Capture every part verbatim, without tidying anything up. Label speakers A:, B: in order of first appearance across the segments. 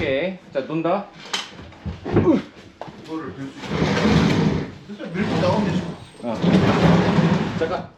A: 오케이. 자, 논다.
B: 이거를 들 수 있어. 밀고 나오면 되지.
A: 어. 잠깐.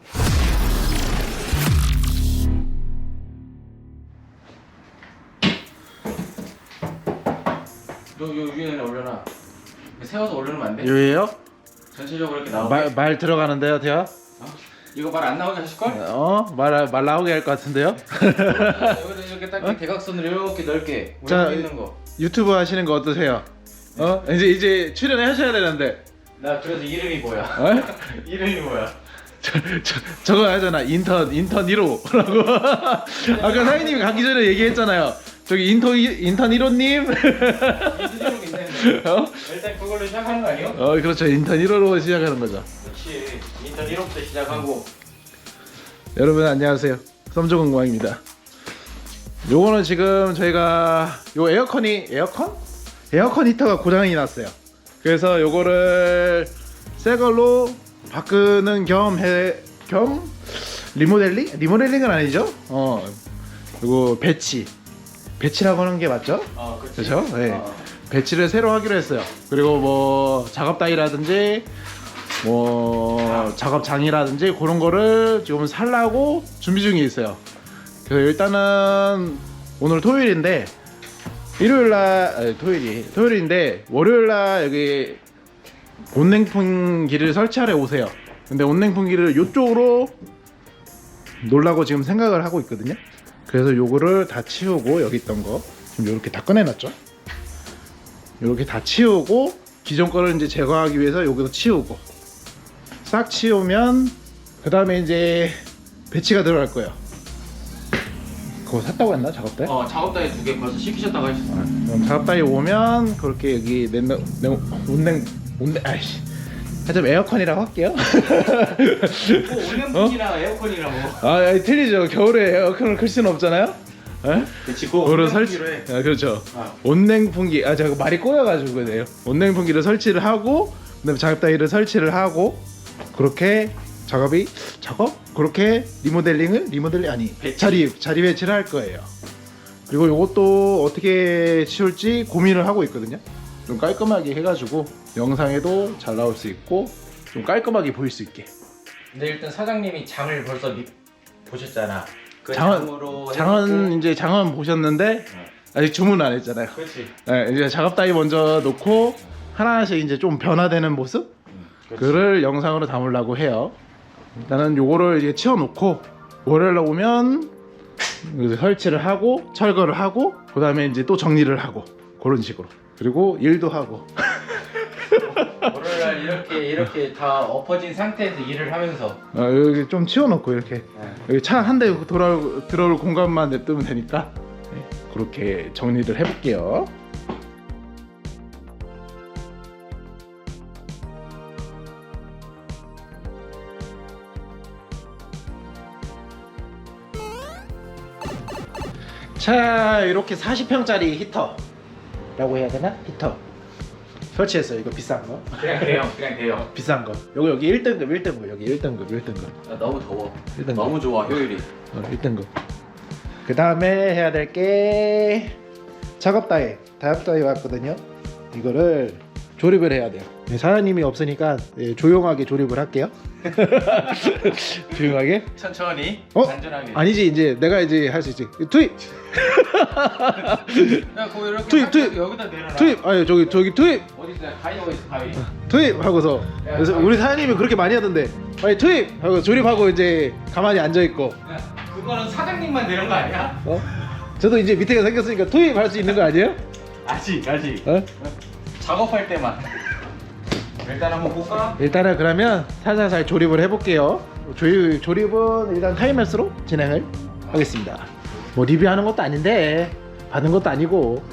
A: 요, 요 위에 올려놔. 세워서 올려놓으면 안 돼?
C: 요예요?
A: 전체적으로 이렇게 나오게.
C: 말, 말 들어가는데요, 대야?
A: 어? 이거 말 안 나오게 하실걸?
C: 어? 말, 말 나오게 할 것 같은데요?
A: 여기다 이렇게 딱 대각선으로 이렇게 넓게
C: 자,
A: 올려 있는 거.
C: 유튜브 하시는 거 어떠세요? 어? 이제 이제 출연을 하셔야 되는데.
A: 나 그래서 이름이 뭐야?
C: 어?
A: 이름이 뭐야?
C: 저, 저, 저거 하잖아. 인턴, 인턴 일 호라고. 아까 사장님이 가기 전에 얘기했잖아요. 저기 인턴, 인턴 일 호님.
A: 이름이 괜찮네.
C: 어?
A: 일단 그걸로 시작하는 거 아니에요?
C: 어, 그렇죠. 인턴 일 호로 시작하는 거죠.
A: 그렇지. 인턴 일 호부터 시작하고.
C: 여러분 안녕하세요. 썸조공광입니다. 요거는 지금 저희가 요 에어컨이 에어컨? 에어컨 히터가 고장이 났어요. 그래서 요거를 새 걸로 바꾸는 겸 해 겸 리모델링? 리모델링은 아니죠? 어. 요거 배치. 배치라고 하는 게 맞죠?
A: 어, 그렇지.
C: 그렇죠? 네.
A: 어.
C: 배치를 새로 하기로 했어요. 그리고 뭐 작업 따위라든지 뭐 작업장이라든지 그런 거를 지금 살라고 준비 중에 있어요. 그 일단은 오늘 토요일인데 일요일날 아니, 토요일이 토요일인데 월요일날 여기 온냉풍기를 설치하러 오세요. 근데 온냉풍기를 이쪽으로 놓으려고 지금 생각을 하고 있거든요. 그래서 요거를 다 치우고 여기 있던 거 지금 이렇게 다 꺼내놨죠. 이렇게 다 치우고 기존 거를 이제 제거하기 위해서 여기도 치우고 싹 치우면 그 다음에 이제 배치가 들어갈 거예요. 그거 샀다고 했나 작업대?
A: 어, 작업대에 두 개 벌써 시키셨다고 하셨어.
C: 그럼 작업대에 오면 그렇게 여기 냉냉 온냉 온냉 아이씨 하여튼 에어컨이라고 할게요.
A: 뭐 온냉풍이랑 에어컨이랑 뭐.
C: 아 아니, 틀리죠. 겨울에 에어컨을 클 수는 없잖아요. 에?
A: 그치, 그거
C: 그거를 설치.
A: 온냉풍기로 해.
C: 아 그렇죠.
A: 아.
C: 온냉풍기. 아 제가 말이 꼬여가지고 그래요. 온냉풍기를 설치를 하고 그다음에 작업대를 설치를 하고 그렇게 작업이 작업 그렇게 리모델링을 리모델링 아니
A: 배치.
C: 자리 자리 배치를 할 거예요. 그리고 이것도 어떻게 치울지 고민을 하고 있거든요. 좀 깔끔하게 해가지고 영상에도 잘 나올 수 있고 좀 깔끔하게 보일 수 있게.
A: 근데 일단 사장님이 장을 벌써 미, 보셨잖아. 그
C: 장은
A: 장으로
C: 장은
A: 해놓고.
C: 이제 장은 보셨는데 아직 주문 안 했잖아요.
A: 그렇지.
C: 네, 이제 작업 따위 먼저 놓고 하나씩 이제 좀 변화되는 모습
A: 그렇지.
C: 그를 영상으로 담으려고 해요. 일단은 요거를 이제 치워놓고 월요일에 오면 이제 설치를 하고 철거를 하고 그 다음에 이제 또 정리를 하고 그런 식으로 그리고 일도 하고
A: 월요일날 이렇게 이렇게 다 엎어진 상태에서 일을 하면서.
C: 어, 여기 좀 치워놓고 이렇게
A: 네.
C: 여기 차 한 대 돌아올 들어올 공간만 냅두면 되니까 네, 그렇게 정리를 해볼게요. 자 이렇게 사십 평짜리 히터라고 해야 되나? 히터 설치했어요. 이거 비싼 거
A: 그냥 돼요. 그냥 돼요.
C: 비싼 거 여기 여기 일 등급 일 등급 여기 일 등급 일 등급
A: 아, 너무 더워.
C: 일 등급
A: 너무 좋아 효율이.
C: 어, 일 등급 그 다음에 해야 될 게 작업 따위 작업 따위 왔거든요. 이거를 조립을 해야 돼요. 네, 사장님이 없으니까 네, 조용하게 조립을 할게요. 조용하게
A: 천천히.
C: 어?
A: 단순하게.
C: 아니지 이제 내가 이제 할 수 있지. 투입
A: 야, 그거 이렇게
C: 투입,
A: 딱
C: 투입.
A: 여기다 내려놔.
C: 투입 아니 저기 저기 투입
A: 어디 있어? 가위 어디 있어? 가위.
C: 투입 하고서 그래서 우리 사장님이 그렇게 많이 하던데 아니 투입 하고 조립하고 이제 가만히 앉아 있고
A: 야, 그거는 사장님만 되는 거 아니야?
C: 어? 저도 이제 밑에가 생겼으니까 투입 할 수 있는 거 아니에요?
A: 아직 아직.
C: 어?
A: 작업할 때만. 일단 한번 볼까?
C: 일단은 그러면 살살살 조립을 해볼게요. 조립, 조립은 일단 타임랩스로 진행을 하겠습니다. 뭐 리뷰하는 것도 아닌데 받은 것도 아니고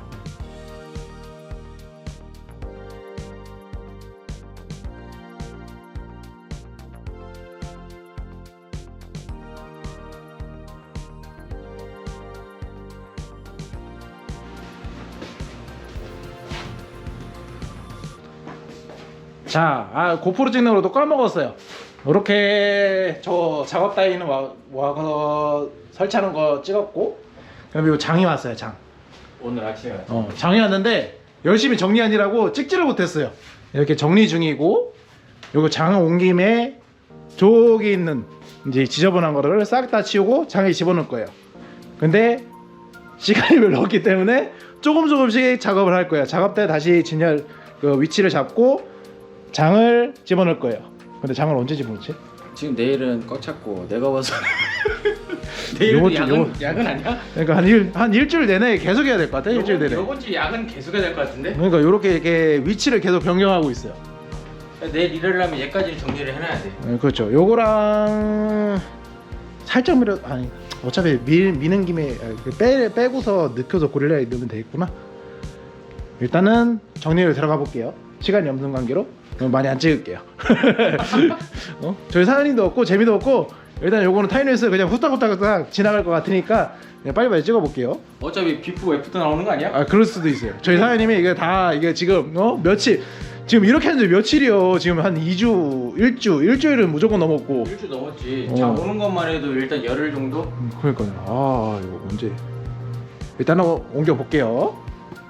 C: 자, 아, 고프로 찍는 걸또 까먹었어요. 이렇게 저 작업 따위는 와, 와서 설치하는 거 찍었고 그다음에 요 장이 왔어요. 장
A: 오늘 아침에 왔어.
C: 어, 장이 왔는데 열심히 정리하느라고 찍지를 못했어요. 이렇게 정리 중이고, 요거 장 온 김에 저기 있는 이제 지저분한 거를 싹 다 치우고 장에 집어넣을 거예요. 근데 시간이 별로 없기 때문에 조금 조금씩 작업을 할 거예요. 작업 때 다시 진열 그 위치를 잡고 장을 집어넣을 거예요. 근데 장을 언제 집어넣지?
A: 지금 내일은 꽉 찼고 내가 봐서 내일도
C: 요번 주-
A: 야근
C: 요번-
A: 야근 아니야?
C: 그러니까 한, 일, 한 일주일 내내 계속 해야 될 것 같아. 일주일 내내.
A: 이번 주 야근 계속 해야 될 것 같은데?
C: 그러니까 이렇게 이렇게 위치를 계속 변경하고 있어요.
A: 내일 일하려면 얘까지 정리를 해놔야 돼.
C: 네, 그렇죠. 요거랑 살짝 밀어 아니 어차피 밀, 미는 김에 빼, 빼고서 넣고서 고릴라에 넣으면 되겠구나. 일단은 정리를 들어가 볼게요. 시간이 없는 관계로 많이 안 찍을게요. 어? 저희 사장님도 없고 재미도 없고 일단 요거는 타이너에서 그냥 후딱후딱 지나갈 것 같으니까 그냥 빨리빨리 찍어 볼게요.
A: 어차피 비프 애프터 나오는 거 아니야?
C: 아 그럴 수도 있어요. 저희 사장님이 이게 다 이게 지금 어 며칠 지금 이렇게 하는데 며칠이요. 지금 한 이 주, 일 주, 일주일은 무조건 넘었고.
A: 일주 넘었지.
C: 어.
A: 장 오는 것만 해도 일단 열흘 정도?
C: 음, 그러니까요. 아 이거 언제? 일단은 옮겨 볼게요.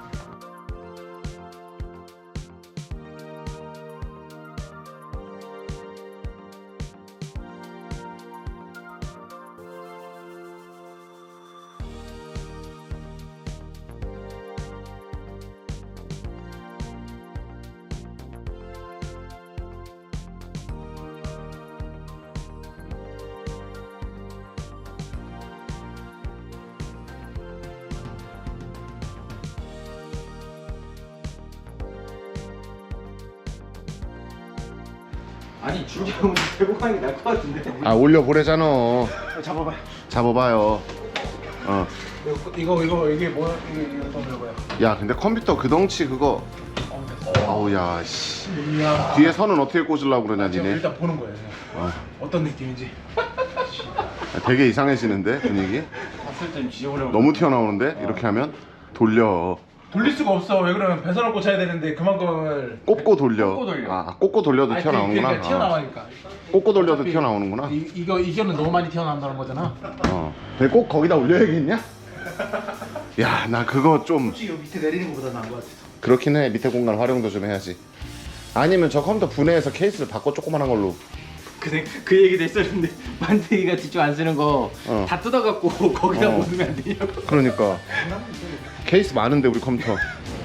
A: 아니 줄잡으면 대고 가는 게 나을 것 같은데.
B: 아 올려 보내잖아.
C: 잡아봐요.
B: 잡아봐요. 어.
C: 이거 이거 이거 이게 뭐야? 이게 이거 뭐야?
B: 야 근데 컴퓨터 그 덩치 그거. 아우 야 씨.
C: 이야.
B: 뒤에 선은 어떻게 꽂으려고 그러냐
C: 지금
B: 니네.
C: 일단 보는 거예요.
B: 어.
C: 어떤 느낌인지.
B: 되게 이상해지는데 분위기.
A: 봤을 땐 지저분해.
B: 너무 튀어나오는데 이렇게 하면 돌려.
C: 돌릴 수가 없어. 왜 그러면 배선을 꽂아야 되는데 그만큼을
B: 꼽고 돌려.
A: 꼽고 돌려.
B: 아 꼽고 돌려도
C: 아니,
B: 튀어나오는구나.
C: 그러니까 튀어나와니까.
B: 어. 꼽고 돌려도
C: 어차피
B: 튀어나오는구나.
C: 이, 이거 이거는 너무 많이 튀어나온다는 거잖아.
B: 어. 근데 꼭 거기다 올려야겠냐? 야 나 그거 좀
C: 솔직히 이 밑에 내리는 것보다 나은 것 같아.
B: 그렇긴 해. 밑에 공간 활용도 좀 해야지. 아니면 저 컴퓨터 분해해서 케이스를 바꿔 조그만한 걸로.
A: 그, 그 얘기도 했었는데 만드기가 뒤쪽 안 쓰는 거 다
B: 어.
A: 뜯어갖고 거기다
B: 어.
A: 못 넣으면 안 되냐고.
B: 그러니까 케이스 많은데 우리 컴퓨터.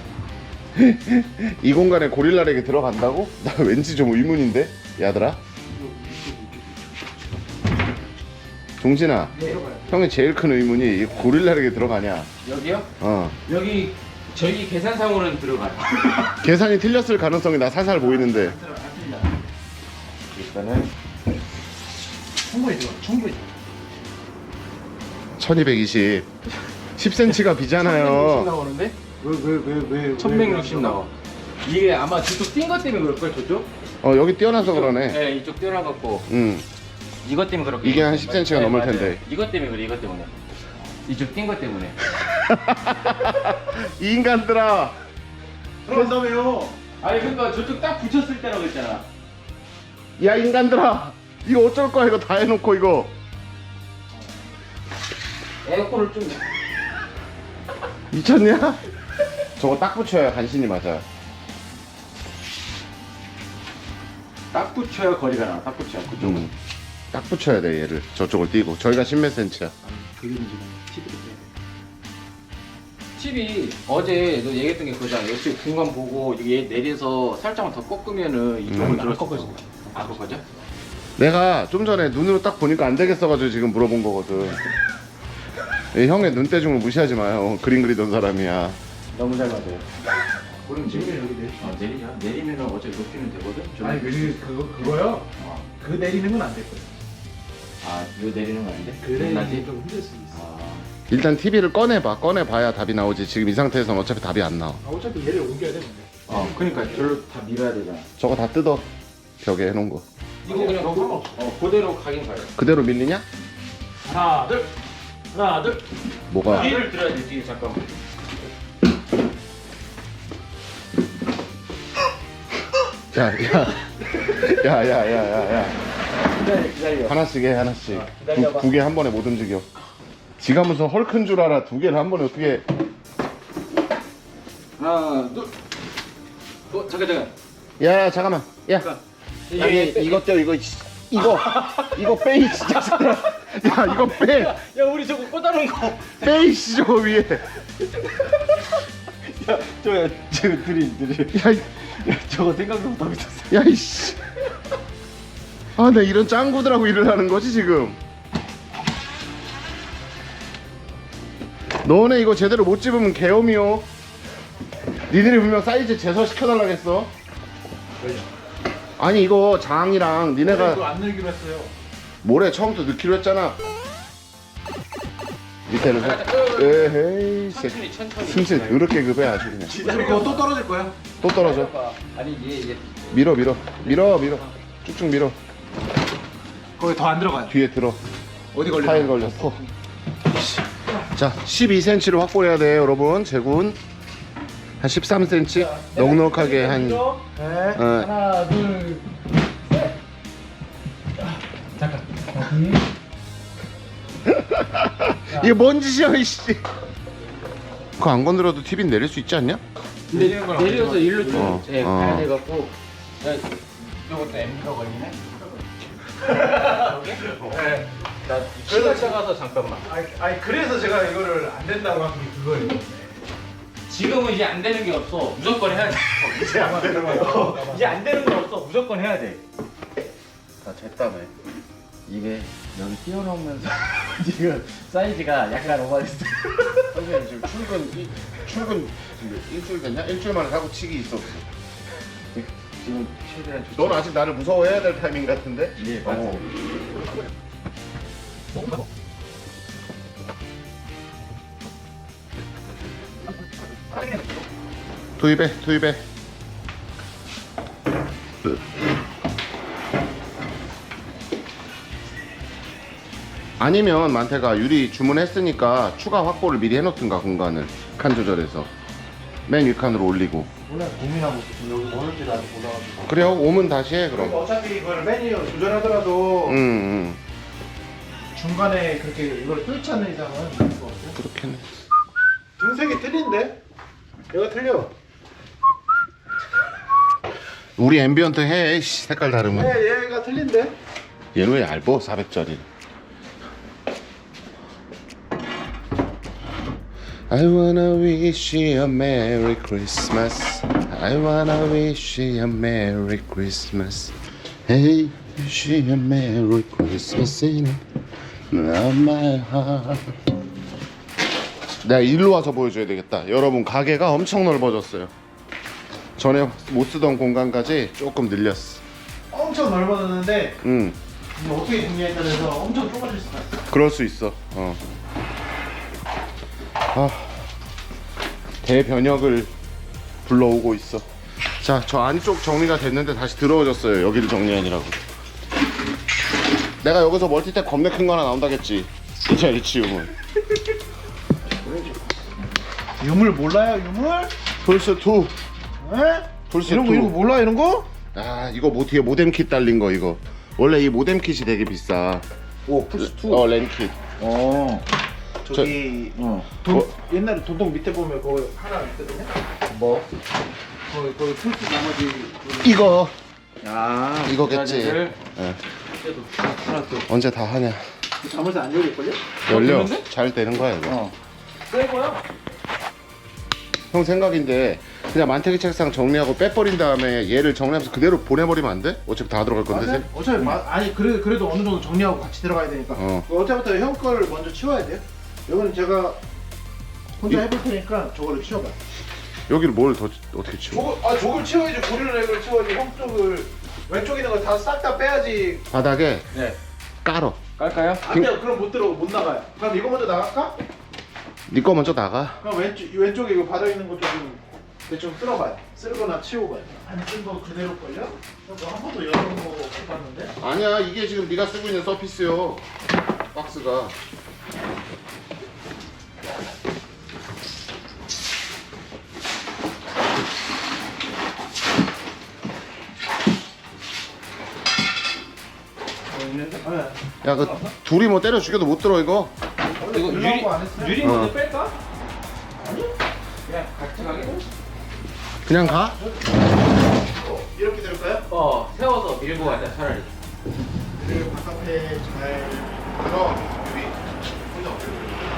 B: 이 공간에 고릴라렉이 들어간다고? 나 왠지 좀 의문인데 야들아. 동진아, 형이 제일 큰 의문이 이 고릴라렉이 들어가냐?
A: 여기요?
B: 어.
A: 여기 저희 계산상으로는 들어가요.
B: 계산이 틀렸을 가능성이 나 살살 보이는데.
A: 일단은
C: 충분히 들어. 충분히.
B: 천이백이십. 십 센티미터가 비잖아요.
A: 천백육십 나오는데?
C: 왜왜왜 왜?
A: 천백육십 나와. 이게 아마 저쪽 뛴 것 때문에 그럴걸 저쪽?
B: 어 여기 뛰어나서 그러네.
A: 네 이쪽 뛰어나갖고
B: 응.
A: 이것 때문에 그렇게.
B: 이게 한 십 센티미터가
A: 네,
B: 넘을
A: 맞아요.
B: 텐데.
A: 이것 때문에 그래 이것 때문에. 이쪽 뛴 것 때문에.
B: 이 인간들아.
C: 그런다며요.
A: 아니 그러니까 저쪽 딱 붙였을 때라고 했잖아.
B: 야 인간들아. 이거 어쩔 거야 이거 다 해놓고 이거.
A: 에어컨을 좀.
B: 미쳤냐? 저거 딱 붙여야 간신히 맞아요.
A: 딱 붙여야 거리가 나. 딱 붙여야 그쪽은.
B: 음. 딱 붙여야 돼 얘를. 저쪽을 띄고. 저희가 십몇 센치야.
C: 그게 문제네. 티비도
A: 팁이 어제 너 얘기했던 게 그거잖아. 역시 공간 보고 이게 내려서 살짝만 더 꺾으면은 이쪽으로
B: 음.
A: 들어갈
C: 안 꺾어져.
A: 안 꺾어져?
B: 내가 좀 전에 눈으로 딱 보니까 안 되겠어가지고 지금 물어본 거거든. 이 형의 눈대중을 무시하지 마요. 그림 그리던 사람이야.
A: 너무 잘 맞아요.
C: 그럼 지금 여기 내리.
A: 아 내리자. 내리면은 어차피 높이는 되거든. 좀-
C: 아니 그 그거 그거요.
A: 어.
C: 그 내리는 건 안 될 거예요.
A: 아 이거 내리는 거 아닌데?
C: 그 내리는
A: 나지?
C: 게좀 힘들 수도 있어.
A: 아
B: 일단 티비를 꺼내봐. 꺼내봐야 답이 나오지. 지금 이 상태에서는 어차피 답이 안 나와.
C: 아, 어차피 얘를 옮겨야 돼 근데.
A: 어, 그러니까 저를 다 밀어야 되잖아.
B: 저거 다 뜯어. 벽에 해놓은 거.
A: 이거 그냥 그, 어 그대로 가긴 가요.
B: 그대로 밀리냐?
C: 하나 둘 하나 둘.
B: 뭐가?
A: 뒤를 들어야 돼 뒤에 잠깐만.
B: 야, 야. 야, 야, 야, 야, 야.
A: 기다려 기다려.
B: 하나씩 해, 하나씩.
A: 어, 기다려봐.
B: 두 개 한 번에 못 움직여. 지가 무슨 헐큰 줄 알아. 두 개를 한 번에 어떻게.
A: 하나 둘. 어 잠깐 잠깐.
B: 야 잠깐만. 야.
A: 이게
B: 아니 이것도 이거 이거 이거 빼이 진짜. 야 이거 빼.
A: 야 우리 저거 꽂아놓은 거.
B: 빼이씨 저거 위에.
A: 야 저야 저거 드림 드림.
B: 야, 이-
A: 야 저거 생각도 못하고 있었어.
B: 야 이씨. 아, 나 이런 짱구들하고 일을 하는 거지 지금. 너네 이거 제대로 못 집으면 개엄이요. 니들이 분명 사이즈 제서 시켜달라겠어. 아니 이거 장이랑
C: 이거
B: 니네가
C: 안 늘기로 했어요.
B: 모레 처음부터 넣기로 했잖아. 밑에는 에헤이
A: 천천히 천천히.
B: 승질 더럽게 급해 아주 그냥.
C: 어차피 그거 또 떨어질 거야.
B: 또 떨어져.
A: 아니 얘 얘.
B: 밀어 밀어 밀어 밀어 쭉쭉 밀어.
C: 거기 더 안 들어가요.
B: 뒤에 들어.
C: 어디 걸려?
B: 파일 걸렸어. 자, 십이 센티미터를 확보해야 돼요, 여러분. 제군 한 십삼 센티미터 넉넉하게 한.
C: 네.
B: 어,
C: 하나, 둘, 셋. 잠깐.
B: 이게 뭔 짓이야, 이씨. 그거 안 건드려도 티비는 내릴 수 있지 않냐?
A: 근데 내려서 일로 좀
B: 어,
A: 예,
B: 어.
A: 가야 돼갖고. 야 이것도 엠비가 걸리네.
C: 네.
A: 나 키가 작아서 잠깐만.
C: 아니, 아니 그래서 제가 이거를 안 된다고 한 게 그거예요.
A: 지금은 이제 안 되는 게 없어. 무조건 해야 돼.
C: 이제 안 되는 거예요.
A: 이제 안 되는 게 없어. 무조건 해야 돼. 다 됐다며. 이게 여기 띄워놓으면서 지금 사이즈가 약간 오버됐어.
B: 선생님 지금 출근 이, 출근 지금 일주일 됐냐? 일주일 만에 사고 치기 있어 없어?
A: 지금 최대한 좋지.
B: 넌 아직 나를 무서워해야 될 타이밍 같은데?
A: 예, 맞아.
B: 어. 투입해 투입해. 아니면 만태가 유리 주문했으니까 추가 확보를 미리 해놓든가 공간을 칸 조절해서 맨 윗칸으로 올리고.
C: 오늘 고민하고 있어. 여기 오는지 나도 몰라가지고.
B: 그래요? 오면 다시 해
C: 그럼
B: 그럼.
C: 어차피 이걸 메뉴 조절하더라도
B: 응, 응.
C: 중간에 그렇게 이걸 뚫지 않는 이상은 이거 없어요.
B: 그렇겠네.
C: 등색이 틀린데? 얘가 틀려.
B: 우리 앰비언트 해. 씨, 색깔 다르면.
C: 네, 얘가 틀린데?
B: 얘는 왜 얇어? 사백짜리. I wanna wish you a Merry Christmas. I wanna wish you a Merry Christmas. Hey, wish you a Merry Christmas in my heart. 내가 일로 와서 보여줘야 되겠다. 여러분 가게가 엄청 넓어졌어요. 전에 못 쓰던 공간까지 조금 늘렸어.
C: 엄청 넓어졌는데
B: 응,
C: 이거 어떻게 정리했다 해서 엄청 좁아질 수가 있어.
B: 그럴 수 있어. 어. 아, 대변혁을 불러오고 있어. 자, 저 안쪽 정리가 됐는데 다시 더러워졌어요. 여기를 정리하느라고. 내가 여기서 멀티탭 겁나 큰 거 하나 나온다겠지. 이 자리 치우면.
C: 유물 몰라요, 유물?
B: 플스 투.
C: 에?
B: 플스
C: 이런 거
B: 투.
C: 이런 거 몰라 이런 거?
B: 아, 이거 뭐 뒤에 모뎀 킷 달린 거 이거. 원래 이 모뎀 kit이 되게 비싸.
A: 오 플스 투.
B: 어, 랜 킷.
A: 어.
C: 저기
A: 어.
C: 돈,
B: 어?
C: 옛날에 돈독 밑에 보면 그거 하나 있거든요.
A: 뭐?
C: 거기 거기 풀스 나머지 그-
B: 이거
A: 아
B: 이거겠지.
A: 브라질을
B: 예.
A: 그래도 하나 또.
B: 언제 다 하냐?
C: 잠을서 안 열릴걸요?
B: 열려.
A: 됐는데?
B: 잘 되는 거야 이거.
A: 어. 새 거야?
B: 형 생각인데 그냥 만태기 책상 정리하고 빼버린 다음에 얘를 정리하면서 그대로 보내버리면 안 돼? 어차피 다 들어갈 건데.
C: 맞아요?
B: 쌤?
C: 어차피 마, 아니 그래, 그래도 어느 정도 정리하고 같이 들어가야 되니까
B: 어.
C: 어차피 형 거를 먼저 치워야 돼요. 이거는 제가 혼자
B: 이-
C: 해볼 테니까 저거를 치워봐.
B: 여기를 뭘 더 어떻게 치워?
C: 저거, 아 저걸 치워야지. 고리는 애를 치워야지. 형 쪽을 왼쪽 있는 거 다 싹 다 빼야지.
B: 바닥에
A: 네.
B: 깔어.
A: 깔까요?
C: 안 돼요. 그럼 못 들어 못 나가요. 그럼 이거 먼저 나갈까?
B: 네 거 먼저 나가.
C: 그럼 왼쪽 왼쪽에 이거 바닥에 있는 것도 좀 대충 쓸어봐요. 쓸거나 치워봐요. 안 쓴 거 그대로 걸려? 한 번도 열어본 거 못 봤는데.
B: 아니야, 이게 지금 네가 쓰고 있는 서피스요. 박스가.
A: 뭐 있는데?
C: 네.
B: 야, 그 둘이 뭐 때려 죽여도 못 들어 이거.
A: 이거
C: 유리
A: 유리
C: 안 했어요?
A: 유리
B: 어.
A: 먼저 뺄까? 아니? 그냥 같이 가게?
B: 그냥 가? 이렇게 될까요?
A: 어 세워서 밀고 가자 차라리.
B: 그리고 바깥에 잘 들어. 여기 혼자 어떻게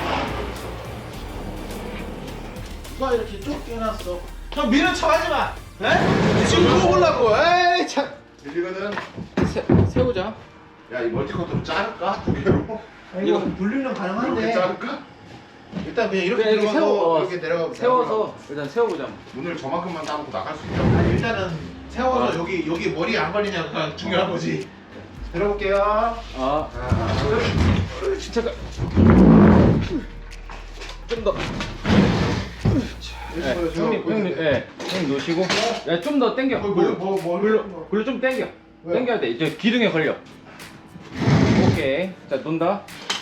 C: 누가 이렇게 쭉 껴놨어? 형 미는 척 하지 마. 에? 지금 그거 보려고. 에이 참.
B: 들리거든?
A: 세, 세우자.
B: 야, 이 멀티커트로 자를까? 두 개로?
C: 이거 분리는
B: 이렇게
C: 가능한데.
B: 자를까?
C: 일단 그냥 이렇게
A: 그냥 이렇게
C: 들어가서
A: 세워, 어,
C: 이렇게 내려가고.
A: 세워서 일단 세워보자.
B: 문을 저만큼만 따놓고 나갈 수 있죠?
C: 아니 일단은 세워서 여기 여기 머리 안 걸리냐가 중요한 거지. 들어볼게요.
A: 아, 진짜 좀 더. 네, 형님, 형님, 예, 형님 놓으시고, 야, 좀 더 당겨.
C: 뭐,
A: 글로,
C: 뭐, 뭐,
A: 글로,
C: 뭐.
A: 글로 좀 당겨.
C: 왜?
A: 당겨야 돼. 이제 기둥에 걸려. 오케이. 자, 논다.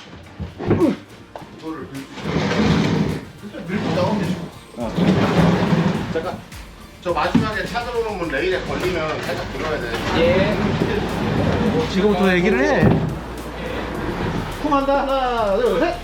B: 이거를
C: 일단 밀고 나오면 되죠.
A: 어. 잠깐.
B: 저 마지막에 차 들어오는 문 레일에 걸리면 살짝 들어야 돼.
A: 예.
C: 지금부터 얘기를 해. 쿵 한다. 하나, 둘, 셋.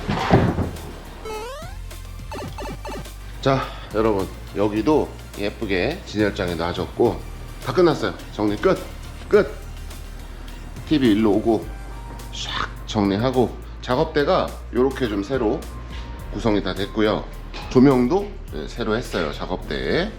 B: 자, 여러분 여기도 예쁘게 진열장에 놔줬고 다 끝났어요. 정리 끝. 끝. 티비 일로 오고 샥 정리하고 작업대가 이렇게 좀 새로 구성이 다 됐고요. 조명도 네, 새로 했어요. 작업대에.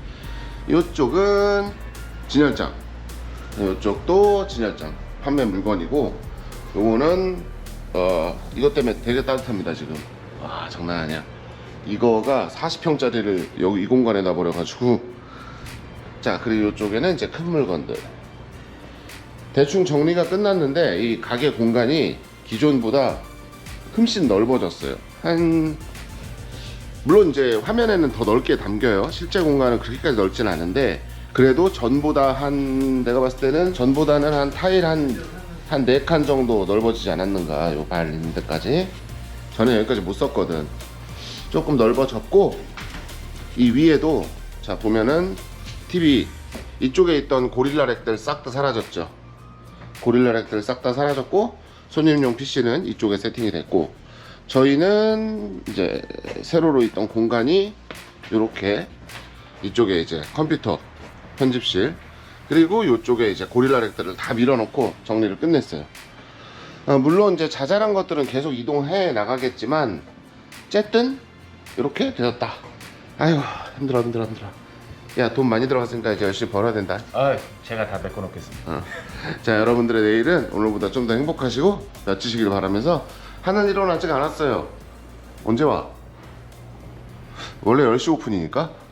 B: 이쪽은 진열장. 이쪽도 진열장. 판매 물건이고 요거는 어 이것 때문에 되게 따뜻합니다 지금. 와 장난 아니야. 이거가 사십 평짜리를 여기 이 공간에 놔버려 가지고. 자 그리고 이쪽에는 이제 큰 물건들 대충 정리가 끝났는데 이 가게 공간이 기존보다 훨씬 넓어졌어요. 한 물론 이제 화면에는 더 넓게 담겨요. 실제 공간은 그렇게까지 넓진 않은데 그래도 전보다 한 내가 봤을 때는 전보다는 한 타일 한 한 네 칸 정도 넓어지지 않았는가. 요 발 있는 데까지. 저는 여기까지 못 썼거든. 조금 넓어졌고 이 위에도 자 보면은 티비 이쪽에 있던 고릴라 렉들 싹 다 사라졌죠. 고릴라 렉들 싹 다 사라졌고 손님용 피씨는 이쪽에 세팅이 됐고 저희는 이제 세로로 있던 공간이 이렇게 이쪽에 이제 컴퓨터 편집실 그리고 이쪽에 이제 고릴라 렉들을 다 밀어놓고 정리를 끝냈어요. 아, 물론 이제 자잘한 것들은 계속 이동해 나가겠지만 어쨌든 이렇게 되었다. 아유 힘들어 힘들어 힘들어. 야 돈 많이 들어갔으니까 이제 열심히 벌어야 된다.
A: 아, 제가 다 메꿔놓겠습니다.
B: 어. 자 여러분들의 내일은 오늘보다 좀 더 행복하시고 멋지시길 바라면서 하는 일은 아직 안 왔어요. 언제 와? 원래 열 시 오픈이니까